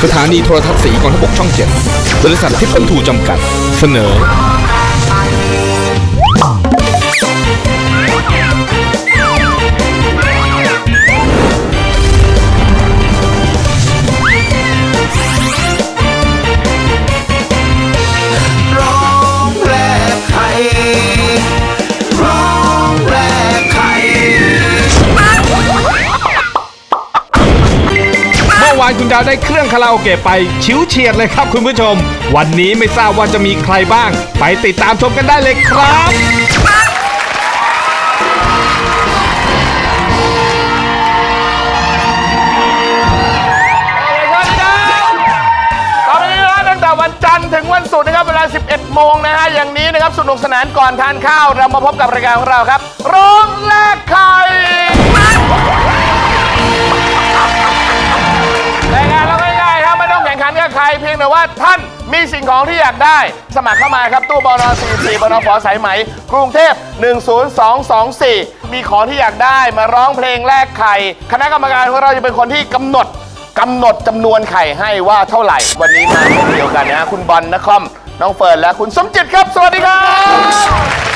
สถานีโทรทัศน์สีกองทพบกช่อง 7 บริษัททิพย์บรรทูจำกัดเสนอวานคุณดาวได้เครื่องคาราโอเกะไปชิวเฉียดเลยครับคุณผู้ชมวันนี้ไม่ทราบว่าจะมีใครบ้างไปติดตามชมกันได้เลยครับตอนนี้นะตั้งแต่วันจันทร์ถึงวันศุกร์นะครับเวลา 11 โมงนะฮะอย่างนี้นะครับสนุกสนานก่อนทานข้าวเรามาพบกับรายการของเราครับร้องแลกไข่รายการเราง่ายๆครับไม่ต้องแข่งขันกับใครเพียงแต่ว่าท่านมีสิ่งของที่อยากได้สมัครเข้ามาครับตู้บน44บนฝสายไหมกรุงเทพ10224มีของที่อยากได้มาร้องเพลงแลกไข่คณะกรรมการของเราจะเป็นคนที่กำหนดจำนวนไข่ให้ว่าเท่าไหร่วันนี้มาคนเดียวกันนะคุณบอลนครน้องเฟิร์นและคุณสมจิตครับสวัสดีครับ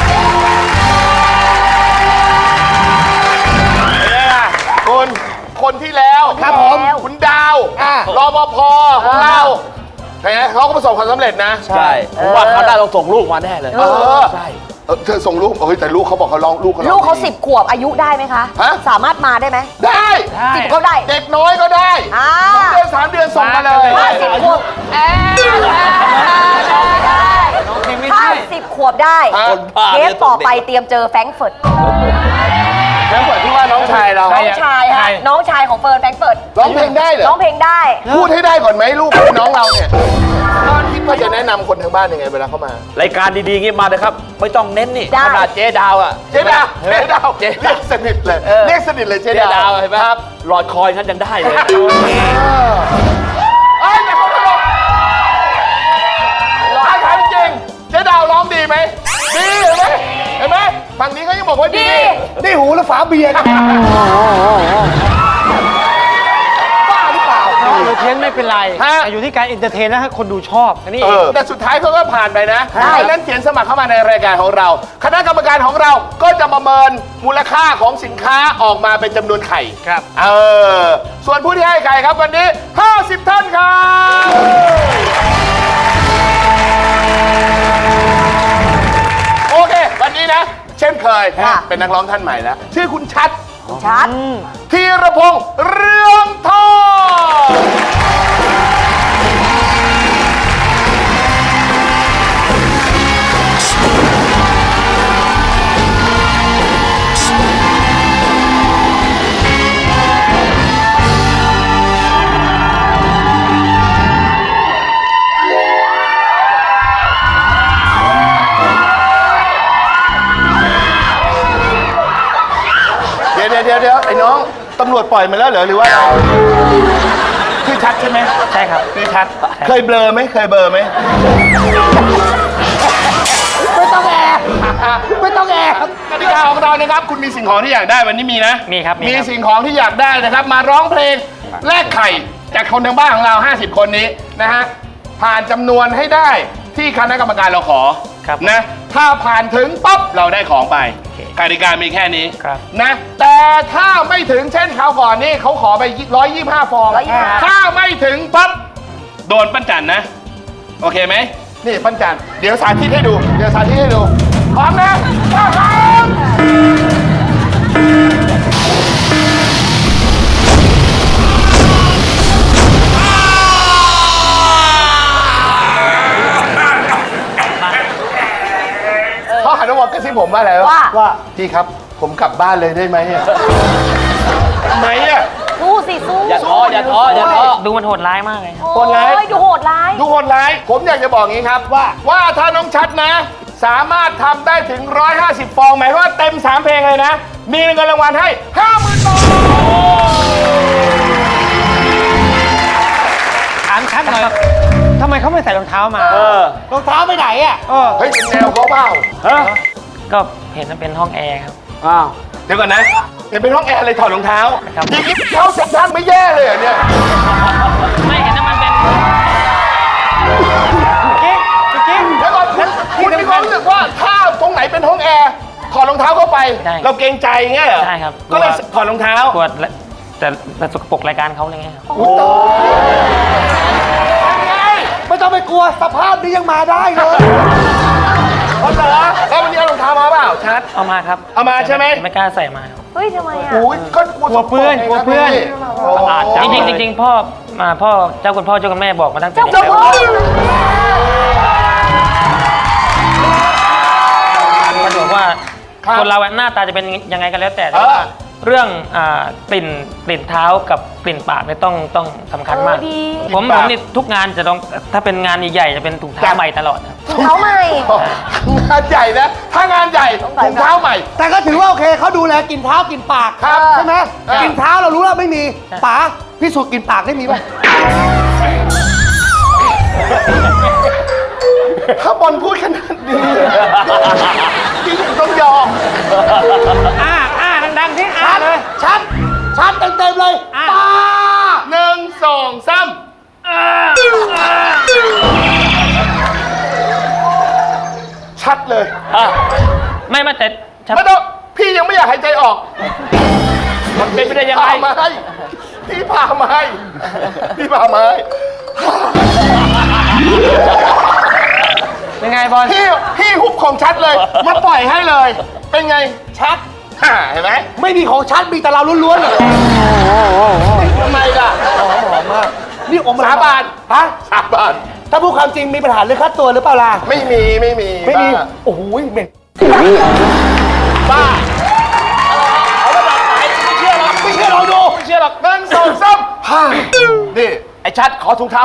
คุณคนที่แล้วครับผมคุณดาวรปภของเราเห็นไหมเขาก็ประสบความสำเร็จนะใช่ผมว่าเขาได้ต้องส่งลูกมาแน่เลยใช่เธอส่งลูกแต่ลูกเขาบอกเขาร้องลูกเขา 10 ขวบอายุได้ไหมคะสามารถมาได้ไหมได้ 10ก็ได้เด็กน้อยก็ได้2 เดือน 3 เดือนส่งมาเลย 10 ขวบถ้า10 ขวบได้เทปต่อไปเตรียมเจอแฟรงก์เฟิร์ตแล้วเปิดที่ว่าน้องชายเราน้องชายฮะน้องชายของเฟิร์นแฟรงก์เฟิร์ตร้องเพลงได้เหรอร้องเพลงได้พูดให้ได้ก่อนไหมลูกน้องเราเนี่ยตอนคิดว่าจะแนะนำคนทางบ้านยังไงเวลาเข้ามารายการดีๆงี้มาเลยครับไม่ต้องเน้นนี่ขนาดเจ๊ดาวอ่ะเจ๊ดาวเรียกสนิทเลยเรียกสนิทเลยเจ๊ดาวเห็นไหมครับหลอดคอยงั้นยังได้เลยอย่าเขาตลกถามจริงเจ๊ดาวร้องดีไหมดีเห็นไหมฝั่งนี้เขายังบอกว่าดีนี่หูและฝาเบียร์บ้าหรือเปล่าเพี้ยนไม่เป็นไรอยู่ที่การเอนเตอร์เทนนะฮะคนดูชอบนี่แต่สุดท้ายเขาก็ผ่านไปนะดังนั้นเขียนสมัครเข้ามาในรายการของเราคณะกรรมการของเราก็จะประเมินมูลค่าของสินค้าออกมาเป็นจำนวนไข่ครับส่วนผู้ที่ให้ไข่ครับวันนี้50 ท่านครับโอเควันนี้นะเช่นเคยเป็นนักร้องท่านใหม่แล้วชื่อคุณชัดธีรพงษ์เรืองทองเดี๋ยวไอ้น้องตำรวจปล่อยมาแล้วเหรอหรือว่าคือชัดใช่ไหมใช่ครับคือชัดเคยเบลอไหมไม่ต้องแอบกติกาของเรานะครับคุณมีสิ่งของที่อยากได้วันนี้มีนะมีครับมีสิ่งของที่อยากได้นะครับมาร้องเพลงแลกไข่จากคนทางบ้านของเรา50 คนนี้นะฮะผ่านจำนวนให้ได้ที่คณะกรรมการเราขอนะถ้าผ่านถึงปั๊บเราได้ของไปกติกามีแค่นี้นะแต่ถ้าไม่ถึงเช่นคราวก่อนนี่เขาขอไป125 ฟองถ้าไม่ถึงปั๊บโดนปั้นจันนะโอเคไหมนี่ปั้นจันเดี๋ยวสาธิตให้ดูพร้อมนะพร้อมเขาหันมาบอกกับที่ผมว่าอะไรว่าพี่ครับผมกลับบ้านเลยได้ไหมทำไมสู้สิสู้อย่าท้อดูมันโหดร้ายมากเลยโหดร้ายดูโหดร้ายผมอยากจะบอกงี้ครับว่าถ้าน้องชัดนะสามารถทำได้ถึง150 ฟองหมายว่าเต็ม3 เพลงเลยนะมีเงินรางวัลให้ 50,000 บาทถามชัดหน่อยทำไมเขาไม่ใส่รองเท้ามารองเท้าไปไหนอ่ะเฮ้ยเป็นแนวเขาเปล่าก็เห็นมันเป็นห้องแอร์ครับเดี๋ยวก่อนนะเห็นเป็นห้องแอร์เลยถอดรองเท้าจริงๆเขาเซ็ตท่านไม่แย่เลยเนี่ยไม่เห็นว่ามันเป็นองเท้าเข้าไปใช่เราเกรงใจเงี้ยเหรอใช่ครับก็เลยถอดรองเท้ากลัวแต่สกปรกรายการเขาอะไรเงี้ยครับไม่ต้องไปกลัวสภาพนี้ยังมาได้เลยเอาเหรอแล้ววันนี้เอารองเท้ามาเปล่าชัดเอามาครับเอามาใช่ไหมไม่กล้าใส่มาครับเฮ้ยทำไมอ่ะโอ้ยก็กลัวเพื่อนสกปรกกลัวเพื่อนอาดจัจริงๆพ่อเจ้าคุณพ่อเจ้าคุณแม่บอกมาตั้งแต่เจ้าเด็กพ่อมันบอกว่าคนเราหน้าตาจะเป็นยังไงกันแล้วแต่ว่าเรื่องกลิ่นเท้ากับกลิ่นปากเนี่ยต้องสำคัญมาก ผมนี่ทุกงานจะต้องถ้าเป็นงานใหญ่ๆจะเป็นถุงเท้าใหม่ตลอดครับถุงเท้าใหม่งานใหญ่นะ ถ้างานใหญ่ถุงเท้าใหม่แต่ก็ถือว่าโอเคเขาดูแลกินเท้ากินปากครับใช่ไหมกินเท้าเรารู้แล้วไม่มีป๋าพิสูจน์กินปากได้มีป่ะถ้าบอลพูดขนาดนี้จริงต้องยอมดังๆที่เลย ชัดเต็มๆเลยป๋า 1 2 3ชัดเลยไม่แต่ไม่ต้องพี่ยังไม่อยากหายใจออกมันเป็นไปได้ยังไงพามาให้พี่พามาให้พี่พามาให้เป็นไงบอลพี่หุบของชัดเลยมาปล่อยให้เลย เป็นไงชัดเห็นไหมไม่มีของชัดมีแต่เราล้วนๆเลยทำไมล่ะหอมมากนี่อมสาบานฮะสาบานถ้าพูดความจริงมีปัญหาเรื่องค่าตัวหรือเปล่าล่ะไม่มีไม่มีบ้าโอ้โหเหม็นบ้าเอาระดับไหนไม่เชื่อหรอกไม่เชื่อเราดูไม่เชื่อหรอก1 2 3นี่ไอ้ชัดขอถุงเท้า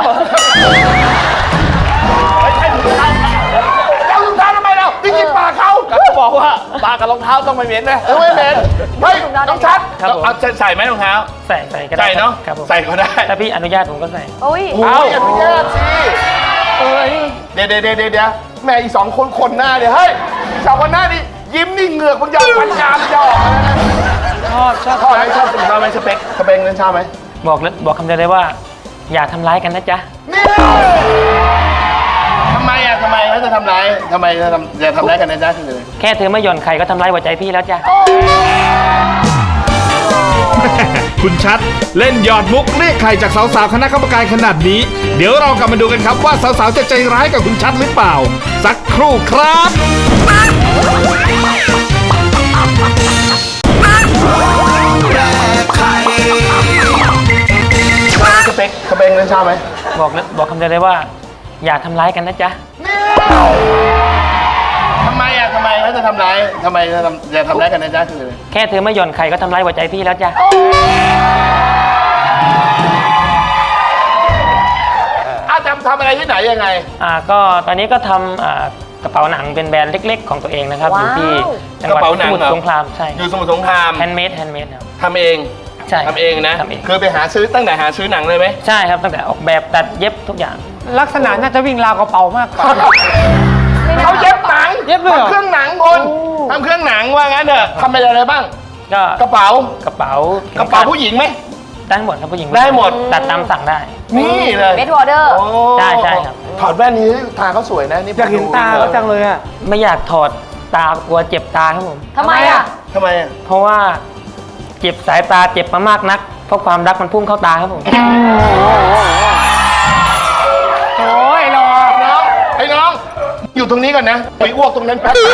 ไม่ใช่ถุงเท้าเอาถุงเท้าทำไมเราที่กินปากเขาก็บอกว่าปากกับรองเท้าต้องไม่เหม็นนะไม่เหม็นเฮ้ยน้องชัดครับผมเอาใส่ไหมรองเท้าใส่ก็ได้ใส่เนาะครับผมใส่ก็ได้ถ้าพี่อนุญาตผมก็ใส่โอ้ยเอาอนุญาตสิเดี๋ยวแม่อีก2 คนหน้าเนี่ยเฮ้ยสองคนหน้านี่ยิ้มนี่เหงือกมันยาวฟันกรามจะออกแล้วนะ ชอบไหมชอบถุงเท้าไหมสเปคนั้นชอบไหมบอกคำเดียวเลยว่า อย่าทำร้ายกันนะจ๊ะนี่ทำไมเขาจะทำร้ายทำไมจะทำร้ายกันนะจ๊ะคือแค่เธอไม่หย่อนไข่ก็ทำร้ายหัวใจพี่แล้วจ้ะคุณชัดเล่นหยอดมุกเรียกไข่จากสาวๆคณะกรรมการขนาดนี้ เดี๋ยวเรากลับมาดูกันครับว่าสาวๆจะใจร้ายกับคุณชัดหรือเปล่า สักครู่ครับสเปคนั้นชอบไหมบอกคำเดียวเลยว่า อย่าทำร้ายกันนะจ๊ะทำไมเขาจะทำร้ายทำไมจะทำร้ายกันนะจ๊ะคือแค่เธอไม่หย่อนไข่ก็ทำร้ายหัวใจพี่แล้วจ้ะทำอะไรที่ไหนยังไงก็ตอนนี้ก็ทำกระเป๋าหนังเป็นแบรนด์เล็กๆของตัวเองนะครับ อยู่ที่จังหวัดกระเป๋าหนัสงมุทเหรรอสงครามใช่อยู่สมุทรสงครามแฮนด์เมดครับทำเองใช่ทำเองนะทำเองคือไปหาซื้อตั้งแต่หาซื้อหนังเลยไหมใช่ครับตั้งแต่ออกแบบตัดเย็บทุกอย่างลักษณะน่าจะวิ่งราวกระเป๋ามากกว่าเขาเย็บหนังเย็บเลยเหรอทำเครื่องหนังคนทำเครื่องหนังว่างั้นเถอะทำอะไรบ้างก็กระเป๋ากระเป๋ากระเป๋าผู้หญิงไหมได้หมดครับผู้หญิงได้หมดตัดตามสั่งได้นี่เลยเมดวอเดอร์โอ้ใช่ครับถอดแว่นนี้ตาเขาสวยนะนี่อยากเห็นตาเขาจังเลยอ่ะไม่อยากถอดตากลัวเจ็บตาครับผมทำไมอ่ะทำไมอะเพราะว่าเจ็บสายตาเจ็บมามากนักเพราะความรักมันพุ่งเข้าตาครับผมโอ้ยรอไอ้น้อง อยู่ตรงนี้ก่อนนะไปอ้วกตรงนั้นแป๊บ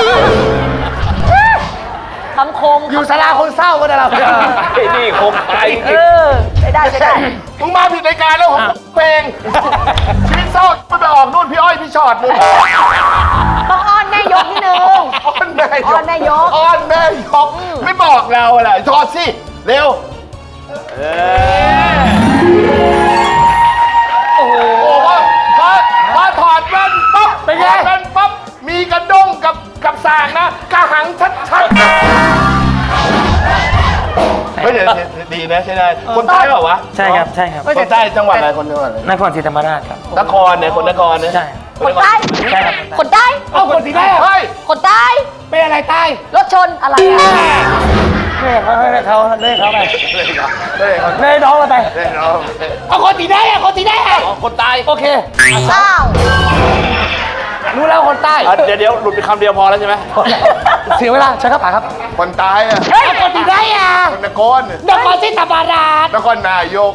คำคมอยู่ศาลาคนเศร้าก็ได้เราไอ้นี่คงตายเออใช้ได้มึงมาผิดรายการแล้วผมเพลงชีวิตเศร้าไปออกนู่นพี่อ้อยพี่ชอดนู่นต้องอ้อนแม่ยกนิดนึงอ้อนแม่ยกอ้อนแม่ยกอ้อนแม่ยกไม่บอกเราอะไรถอดสิเร็วโอ้โหพอถอดแว่นปั๊บเป็นไงแว่นปั๊บมีกระด้งกับสากนะกระหังชัดๆไม่เดี๋ยวดีนะใช่ได้คนใต้เปล่าวะใช่ครับใช่ครับคนใต้จังหวัดอะไรคนจังหวัดอะไรนครศรีธรรมราชครับนครเนี่ยคนนครเนี่ยใช่คนใต้ใช่ครับคนใต้เอาคนที่ได้อะเฮ้ยคนใต้เป็นอะไรใต้รถชนอะไรอ่ะเล่เขาไปเล่เขาไปเล่นเล่น้องมาไปเล่นน้องเอาคนที่ได้อะคนที่ได้อะคนใต้โอเคอ้าวรู้แล้วคนใต้เดี๋ยวหลุดไปคำเดียวพอแล้วใช่ไหมเสียเวลาใช่ครับป๋าครับคนตายอ่ะเอาคนที่ได้อ่ะคนนครนครศรีธรรมราชนครนายก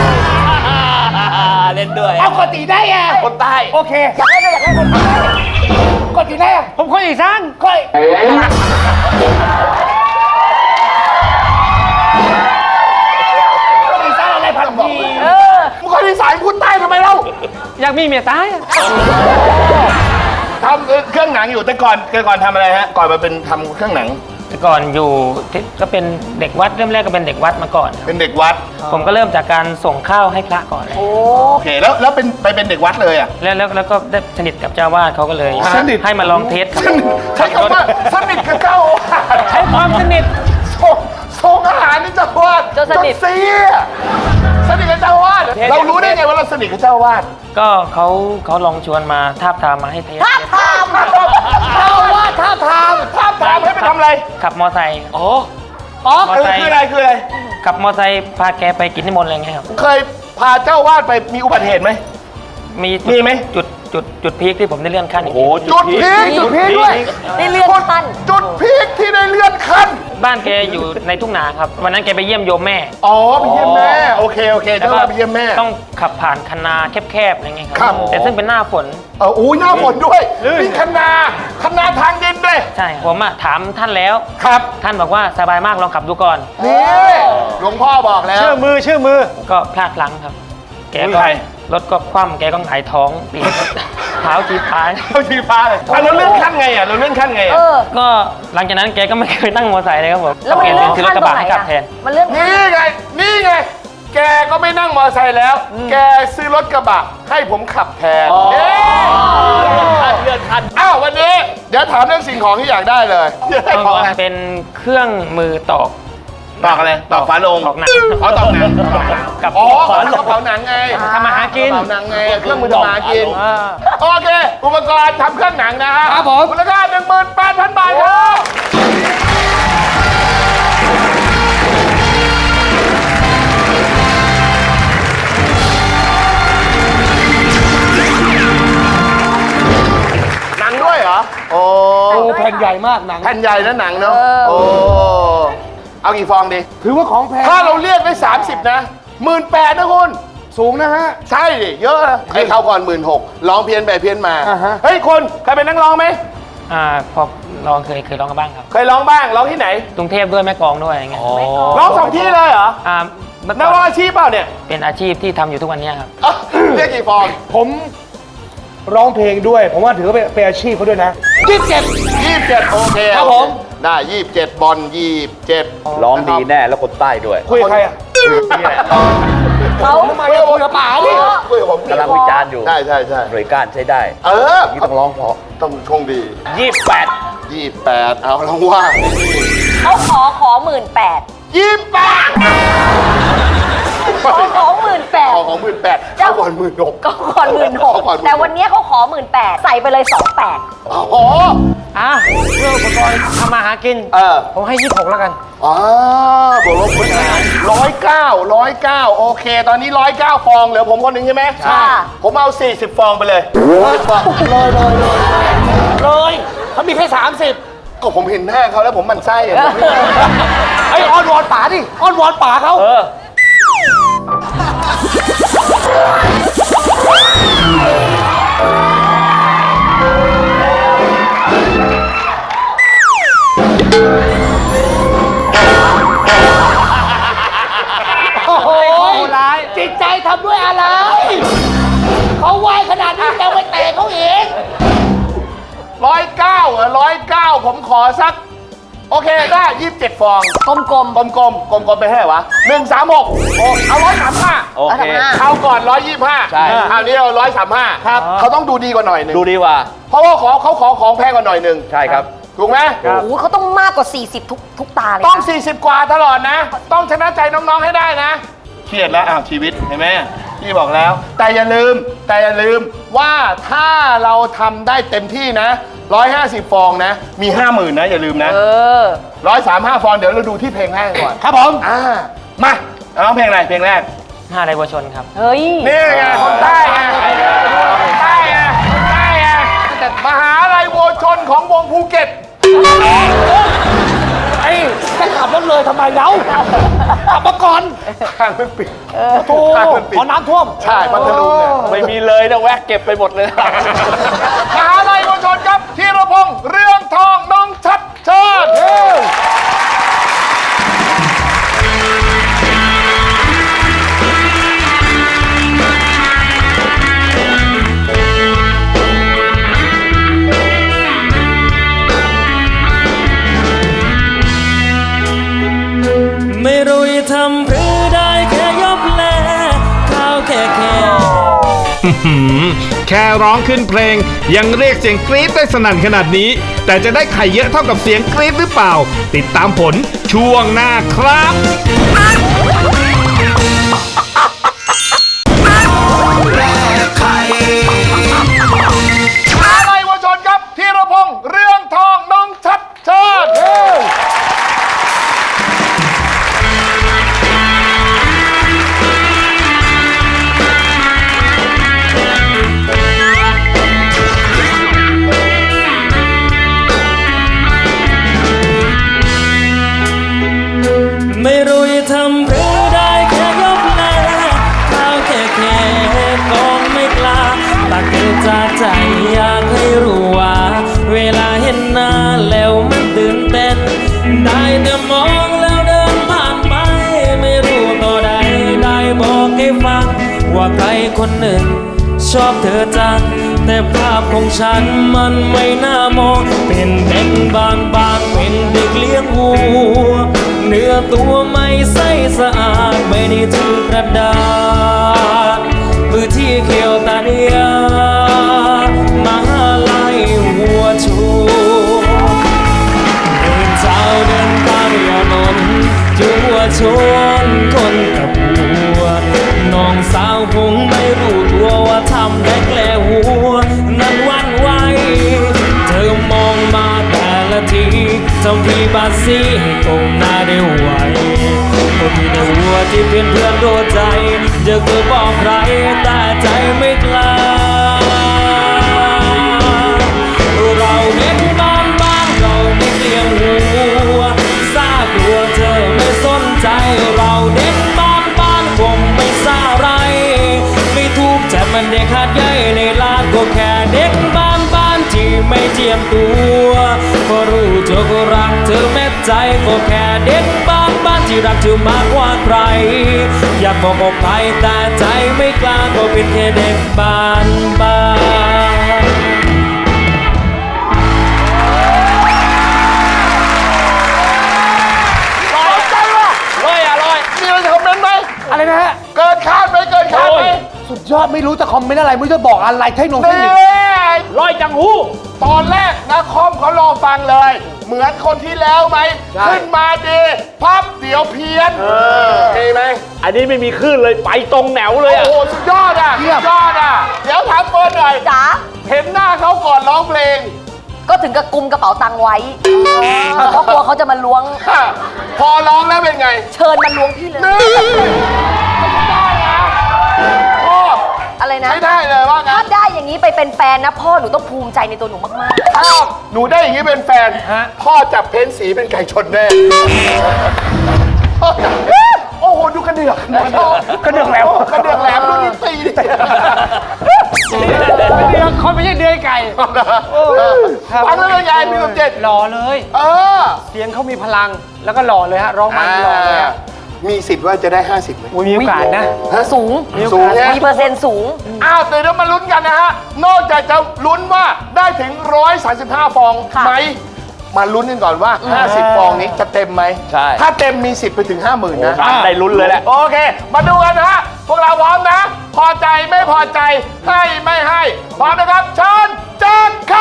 เล่นด้วยเอาคนที่ได้อ่ะคนใต้โอเคอยากได้คนที่ได้อ่ะผมคนอีสานค่อยคนอีสานอะไรพันธุ์ดีมึงคนที่สายพูดใต้ทำไมเล่าอยากมีเมียตายอ่ะทำเครื่องหนังอยู่แต่ก่อนทำอะไรฮะ ก่อนมาเป็นทำเครื่องหนังแต่ก่อนอยู่ที่ก็เป็นเด็กวัดเริ่มแรกก็เป็นเด็กวัดมาก่อนครับเป็นเด็กวัดผมก็เริ่มจากการส่งข้าวให้พระก่อนเลยโอเค แล้วเป็นเด็กวัดเลยอ่ะแล้วก็ได้สนิทกับเจ้าวาดเขาก็เลยสนิทให้มาลองเทสครับใช้คำว่าสนิทกับเจ้าอาวาสใช้ความสนิทส่งอาหารนี่เจ้าอาวาสจนสนิทเสียสนิทกับเจ้าอาวาสเรารู้ได้ไงว่าเราสนิทกับเจ้าอาวาสก็เขาลองชวนมาทาบทามมาให้เทสเจ้าอาวาสท้าบทามให้ไปทำอะไรขับมอไซค์อ๋อมอไซค์คืออะไรขับมอไซค์พาแกไปกินนิมนต์อะไรเงี้ยครับเคยพาเจ้าอาวาสไปมีอุบัติเหตุไหม มีไหมจุดพีคที่ผมได้เลื่อนขั้นอีกทีจุดพีคด้วยได้เลื่อนขั้นจุดพีคที่ได้เลื่อนขั้นบ้านแกอยู่ในทุ่งนาครับวันนั้นแกไปเยี่ยมโยมแม่อ๋อไปเยี่ยมแม่โอเคเจ้าอาวาสไปเยี่ยมแม่ต้องขับผ่านคันนาแคบๆอะไรเงี้ยครับแต่ซึ่งเป็นหน้าฝนอุ้ยหน้าฝนด้วยมีคันนาทางดินด้วยใช่ผมอะถามท่านแล้วครับท่านบอกว่าสบายมากลองขับดูก่อนนี่หลวงพ่อบอกแล้วเชื่อมือก็พลาดพลั้งครับ แกอุ้ยก็ใครรถก็คว่ำแกก็หงายท้องปีนเท้าจีพายเข้าชีฟ้าเลยเราเลื่อนขั้นไงเราเลื่อนขั้นไงเออก็หลังจากนั้นแกก็ไม่เคยนั่งมอเตอร์ไซค์เลยครับผมแล้วมันเปลี่ยนเลื่เป็อนนซื้อรขั้ถนกระตรงไหนบะให้ขับอะแทนมันเลื่อนนี่ไง แกก็ไม่นั่งมอเตอร์ไซค์แล้ว แกซื้อรถกระบะให้ผมขับแทนเลื่อนขั้นอ้าววันนี้เดี๋ยวถามเรื่องสิ่งของที่อยากได้เลยอยากได้ของอะไรเป็นเครื่องมือตอกตอกอะไรตอกฝาโลงตอกหนังอ๋อตอกหนังกับอ๋อฝากระเป๋าหนังไงทำมาหากินกระเป๋าหนังไงเครื่องมือทำมาหากินอ่าโอเค อุปกรณ์ทำเครื่องหนังนะฮะครับผมมูลค่า 18,000 บาทครับหนังด้วยเหรอ โอ้โอ้แผ่นใหญ่มากหนังแผ่นใหญ่นะหนังเนาะโอ้ เอากี่ฟองดีถือว่าของแพงถ้าเราเรียกได้ 30 นะ 18,000นะคุณสูงนะฮะใช่ดิ เยอะนะให้เขาก่อน 16,000ร้องเพี้ยนไปเพี้ยนมาอ่าฮะเฮ้ยคนเคยเป็นนักร้องไหมพอลองเคยร้องกันบ้างครับเคยร้องบ้าง ร้องที่ไหนกรุงเทพด้วยแม่กลองด้วยอะไรเงี้ยร้อง2ที่เลยเหรอเมื่อนักก่ร้องอนอาชีพเปล่าเนี่ยเป็นอาชีพที่ทำอยู่ทุกวันเนี้ยครับเรียกกี่ฟองผมร้องเพลงด้วย ผมว่าถือว่าเป็นอาชีพเขาด้วยนะ 27 โอเคครับผมได้ 27 บอล27 ร้องดีแน่แล้วคนใต้ด้วยคุยกับใครอ่ะเขาทำไมอะคุยกับป๋าดิคุยกับผมกำลังวิจารณ์อยู่ใช่หน่วยก้านใช้ได้เออนี่ต้องร้องเพราะต้องโชคดี 28 28 เอาลองว่าเขาขอ18,000 28 ขอ18,000 ขอของ18,000เข้าก่อน16,000 ก็ก่อน16,000แต่วันนี้เขาขอ18,000ใส่ไปเลย28,000 โอ้โหอ่ะเรื่องอุปกรณ์ทำมาหากิน ผมให้ 26 แล้วกันอ๋อบวกลบคูณหาร109 โอเค ตอนนี้109 ฟองเหลือผมคนหนึ่งใช่ไหมค่ะผมเอา 40 ฟองไปเลย40ฟองเลยเขามีแค่ 30 ก็ผมเห็นหน้าเขาแล้วผมหมันไส้อะไอ้ยอ้อนวอนป๋าดิ อ้อนวอนป๋าเขา โอ้โหจิตใจทำด้วยอะไร เขาไหวขนาดนี้ยังไม่เตะเขาอีก 109 ผมขอสัก โอเคได้27 ฟองกลมกลมไปให้ไหนวะ136โอ้เอา135 โอเคคราวก่อน125 ใช่คราวนี้เอา135ครับเขาต้องดูดีกว่าหน่อยหนึงดูดีกว่าเพราะว่าเขาขอของแพงกว่าหน่อยหนึงใช่ครับถูกไหมๆโอ้โหเขาต้องมากกว่า40ทุกตาเลยต้องนะ 40 กว่าตลอดนะ ต้องชนะใจน้องๆให้ได้นะเครียดแล้วอ้าวชีวิตเห็นไหมพี่บอกแล้ว แต่อย่าลืมว่าถ้าเราทำได้เต็มที่นะ150 ฟองนะ มี 50,000นะอย่าลืมนะ 135 ฟองเดี๋ยวเราดูที่เพลงแรกก่อนครับผมมาร้องเพลงอะไรเพลงแรก 5ไรวัวชนครับเฮ้ยนี่ไงคนใต้ไงคนใต้ไงแต่มหาลัยโวชนของวงภูเก็ตไอ้จะขับรถเลยทำไมเล่าขับมาก่อนข้างมันปิดโอ้ขอน้ำท่วมใช่พัทลุงเนี่ยไม่มีเลยนะแวะเก็บไปหมดเลยมหาลัยมวลชนครับธีรพงษ์เรืองทองน้องชัดเชิญไม่รู้จะทำหรือได้แค่ยบแลข้าวแค่แค่ร้องขึ้นเพลงยังเรียกเสียงกรี๊ดได้สนั่นขนาดนี้ แต่จะได้ไข่เยอะเท่ากับเสียงกรี๊ดหรือเปล่า ติดตามผลช่วงหน้าครับมหาลัยวชนครับธีรพงษ์เรืองทองน้องชัดเชิญไม่รู้จะทำหรือได้แค่ยบแลข้าวแค่ก็ไม่กล้าตักเตือนจากใจอยากให้รู้ว่าเวลาเห็นหน้าแล้วมันตื่นเต้นได้แต่มองแล้วเดินผ่านไปไม่รู้ต่อใดได้บอกให้ฟังว่าใครคนหนึ่งชอบเธอจังแต่ภาพของฉันมันไม่น่ามองเป็นบางเป็นเด็กเลี้ยงวัวเนื้อตัวไม่ใสสะอาดไม่ได้ถือกระดาษมือที่เขียวตาเดียมหาลัยหัวชูเดินเช้าเดินตามยานนท์จัวชนคนกับหัวน้องสาวคงไม่รู้ตัวว่าทำได้แกล้หัวนั้นวันไหวเธอมองมาแต่ละทีทำทีบาซีให้ก้มหน้าได้ไหวคนมีแต่หัวที่เป็นเพื่อนโดนใจจะเคยบอกใครแต่ใจไม่กล้าเราเด็กบ้านเราไม่เลี้ยงหัวซากลัวเธอไม่สนใจเราเด็กบ้านคงไม่ซาไรไม่ทุกข์แต่มันเด็กขาดใหญ่ในลาดก็แค่เด็กบ้านที่ไม่เจียมตัวพอรู้เธอก็รักเธอแม้ใจก็แค่เด็กบ้านที่รักเธอมากกว่าใครอยากบอกออกไปแต่ใจไม่กล้าก็เป็นแค่เด็กบ้านร้อยใจว่ะร้อยร้อยมีอะไรจะคอมเมนต์ไหมอะไรนะฮะเกินคาดไหมเกินคาดไหมสุดยอดไม่รู้จะคอมเมนต์อะไรไม่รู้จะบอกอะไรเทคโนโลนี่ยีร้อยจังหูตอนแรกนะคอมเขารอฟังเลย เหมือนคนที่แล้วไหม ขึ้นมาดีพับเดี๋ยวเพี้ยนมีไหมอันนี้ไม่มีคลื่นเลยไปตรงแนวเลยโอ้อะโหสุดยอดอ่ะสุดยอดอ่ะ เดี๋ยวถามเฟิร์นหน่อยจ๋าเห็นหน้าเขาก่อนร้องเพลงก็ถึงกับกุมกระเป๋าตังค์ไว้เพราะกลัวเขาจะมาล้วงพอร้องแล้วเป็นไงเชิญมาล้วงพี่เลยนี่ได้นะพ่ออะไรนะใช้ได้เลยว่างั้ถ้าน ได้อย่างนี้ไปเป็นแฟนนะพ่อหนูต้องภูมิใจในตัวหนูมากถ้าหนูได้อย่างนี้เป็นแฟน พ่อจับเพ้นสีเป็นไก่ชนแน่พ่อจับโอ้โห ดูกระเดือกกระเดือกแหลมกระเดือกแหลมดูนี่ตีดิเดือกคนไม่ใช่เดือยไก่ฟังแล้วเป็นไงพี่สมเจตหล่อเลย เสียงเขามีพลังแล้วก็หล่อเลยฮะร้องมันหล่อเลยฮะมีสิทธิ์ว่าจะได้ 50ไหมมีโอกาสนะๆ สูงสูงใช่ไหมมีเปอร์เซ็นต์สูงอ้าวเดี๋ยวมาลุ้นกันนะฮะ นอกจากจะลุ้นว่าได้ถึง 135 ฟองค่ะไหม มาลุ้นกันก่อนว่า 50 ฟองนี้จะเต็มไหมใช่ถ้าเต็มมีสิทธิ์ไปถึง 50,000 นะได้ลุ้นเลยแหละโอเค มาดูกันนะฮะ พวกเราพร้อมนะ พอใจไม่พอใจ ให้ไม่ให้ พร้อมนะครับเชิญจานไข่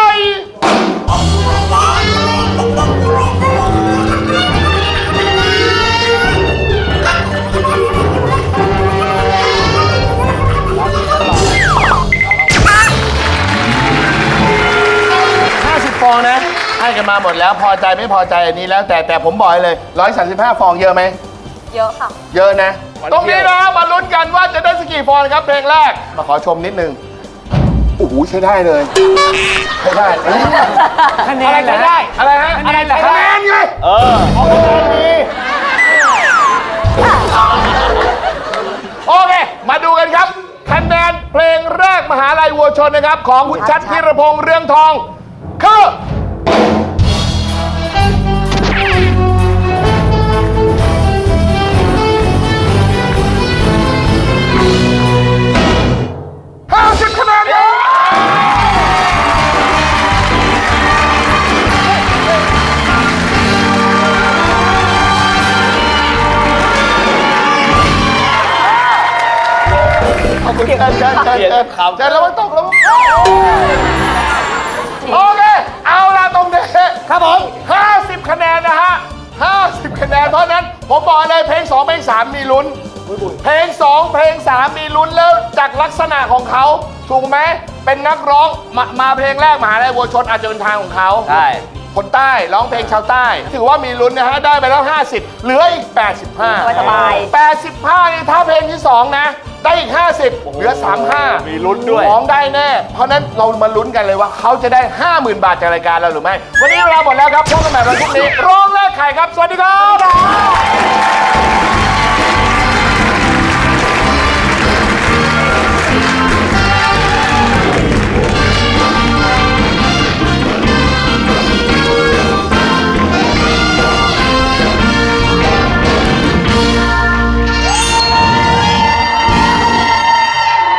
50 ฟองนะ ให้กันมาหมดแล้ว พอใจไม่พอใจอันนี้แล้วแต่ผมบอกเลย 135 ฟองเยอะไหมเยอะค่ะเยอะนะ ตรงนี้นะมาลุ้นกันว่าจะได้สักกี่ฟองครับเพลงแรก มาขอชมนิดนึงโอ้โหใช้ได้เลยใช้ได้คะแนนอะไรได้อะไรฮะอะไรเหรอคะแนนไง โอเค มาดูกันครับคะแนนเพลงแรกมหาลัยวัวชนนะครับ ของคุณชัดธีรพงษ์เรืองทองคือ50 คะแนนครับ ขอบคุณเชิญแล้วมันตกแล้วมันโอเค เอาละตรงนี้ครับผม 50 คะแนนนะฮะ 50 คะแนน เพราะนั้นผมบอกเลยเพลง 2 เพลง 3 มีลุ้น เพลง 2 เพลง 3 มีลุ้นแล้วจากลักษณะของเขาถูกไหม เป็นนักร้องมาเพลงแรกมหาลัยวัวชนอาจจะเป็นทางของเขาใช่คนใต้ร้องเพลงชาวใต้ ถือว่ามีลุ้นนะฮะ ได้ไปแล้ว 50 เหลืออีก 85 สบาย 85นี่ถ้าเพลงที่ 2 นะ ได้อีก 50 เหลือ 35 มีลุ้นด้วยของได้แน่ เพราะนั้นเรามาลุ้นกันเลยว่าเขาจะได้ 50,000 บาทจากรายการเราหรือไม่ วันนี้เวลาหมดแล้วครับพบกันใหม่วันพรุ่งนี้ร้องแรกไข่ครับ สวัสดีครับ